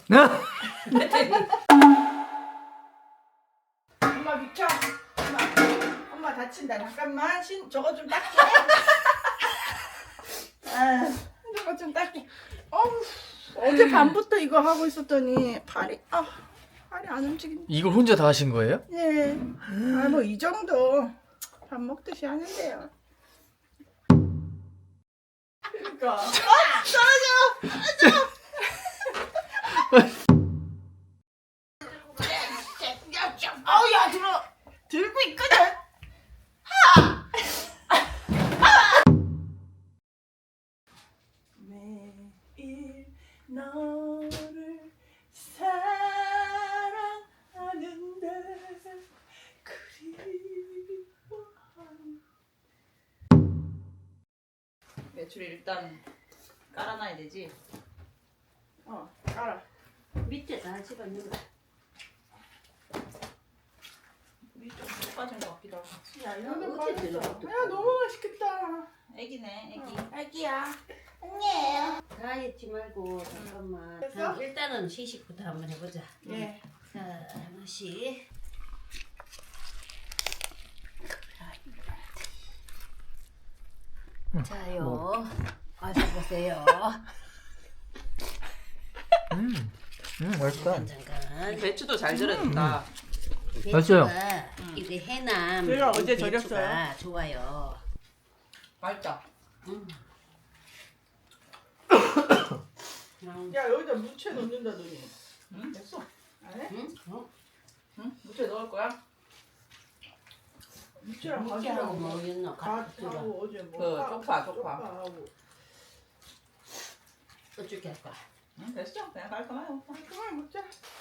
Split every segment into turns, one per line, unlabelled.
엄마 비켜. 엄마 다친다. 잠깐만. 저거 좀 닦게. 저거 좀 닦게. 어제 밤부터 이거 하고 있었더니 팔이 안 움직인다.
이걸 혼자 다 하신 거예요?
예. 뭐 이 정도 밥 먹듯이 하는데요. 그러니까. 떨어져. 야 들고 있거든. 매일 너를 사랑하는데 그리워하는.
매출을 일단 깔아놔야 되지.
깔아.
밑에 다 집어넣어. 물이 좀 빠진 것 같기도 하고.
야 이거는
어떻게
빠졌어.
들어가?
야 너무 맛있겠다.
애기네, 애기.
애기야. 안녕.
다 했지 말고 잠깐만.
됐어?
일단은 시식부터 한번 해보자.
예.
자, 하나씩. 자요. 마셔보세요.
맛있다.
잠깐.
배추도 잘 절여진다.
맛있어요.
배추가 이게 해남.
제가 어제
배추가
절였어요.
좋아요.
맛있다.
야 여기다 무채 넣는다더니.
응, 됐어.
안 해?
응? 어?
응? 무채 넣을 거야?
무채랑
무게하고
가지하고
뭐 있노?
갓하고 어제 뭐
그 쪽파.
쪽파하고.
어떻게 할 거야?
응, 됐어. 그냥 깔끔해요.
그만 먹자.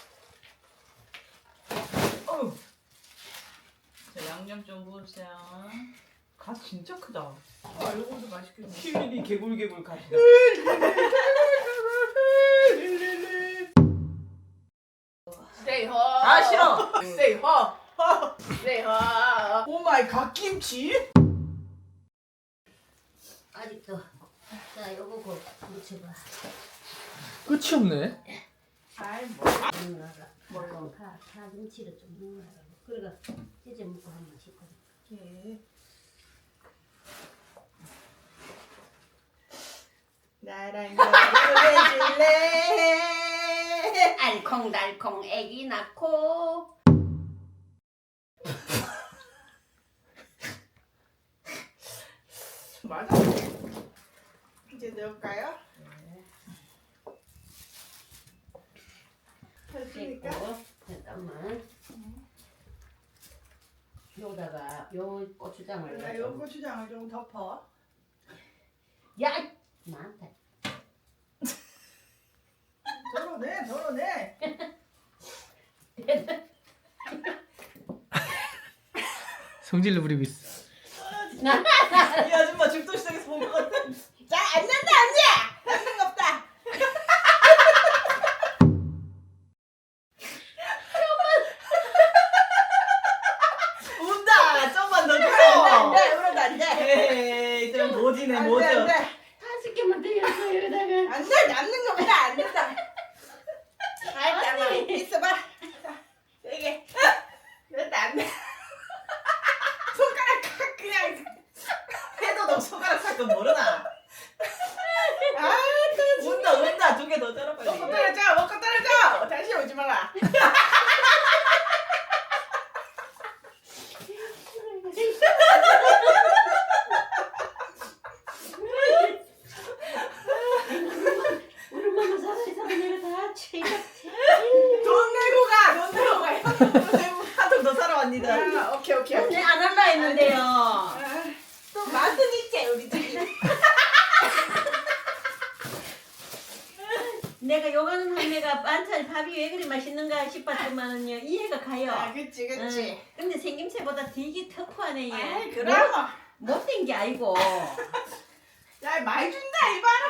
자, 양념 좀 부으세요. 갓 진짜 크다.
이거도 맛있겠네.
킬리비 개굴개굴 갓이다.
Stay hot.
아, 싫어.
Stay hot. Stay hot. 오 마이 갓김치?
아직도. 자, 요거 묻혀봐.
끝이 없네.
아이 뭐.
넣어라. 물론 파김치를 좀 넣어라. 그래가 찢어 먹고 한번 씻고.
예. 나랑 결혼해줄래?
알콩달콩 애기 낳고.
맞아. 이제 넣을까요? 됐으니까.
됐고. 잠깐만. 여기다가 요 고추장을
나 요 고추장을 좀 덮어.
야! 나한테.
덜어내.
성질로 부리고 있어.
이 아줌마 죽도시장에서 본 것 같아.
자, 안 난다, 안 돼! 남는 거 없다.
운다. 좀만 더
안 돼,
줘.
울어도 안 돼.
에이, 좀 모지네,
안 돼,
모져.
안 돼.
다섯 개만 되겠어 여기다가.
안 돼, 남는 거 없다, 안 된다. 잠깐만, 있어봐. 자, 세게. 됐다, 안 돼. 손가락 칵 그냥.
해도 너 손가락 살건 모르나? 운다. 두 개 더 자라 빨리.
먹고 떨어져. 다시 오지 마라.
우리 엄마 살아있어 내가 다 채가.
돈 내고 가.
한통 더 사러 왔니다.
아, 오케이.
근데 안 할라 했는데요.
또 맛은 있지, 우리 집이.
내가 요가는 할매가 반찬 밥이 왜 그리 맛있는가 싶었지만은요 이해가 가요.
아, 그치.
응. 근데 생김새보다 되게 터프하네 얘.
아이, 그럼.
못된 게 아니고.
야, 많이 준다, 이봐라.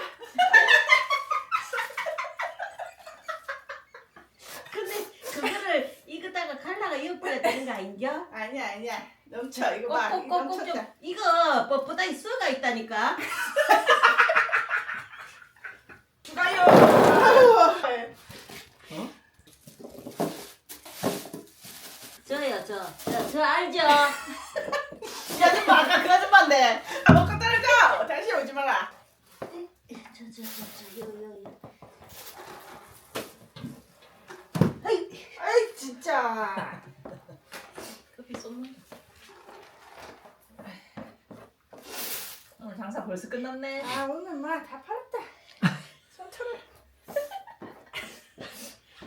근데 그거를 익었다가 갈라가 이어버려야 되는 거 아닌겨?
아니야. 넘쳐, 이거 봐. 이거
꼭꼭꼭 좀
넘쳤다.
이거 뻣뻣하게 쏘가 있다니까.
추가요.
저 알죠?
이 아줌마 아까 그 아줌마인데. 아, 먹고 떨어져. 다시 오지 마라.
저 여기.
아이 진짜.
커피 쏟는. 오늘 장사 벌써 끝났네.
아 오늘 막 다 팔았다.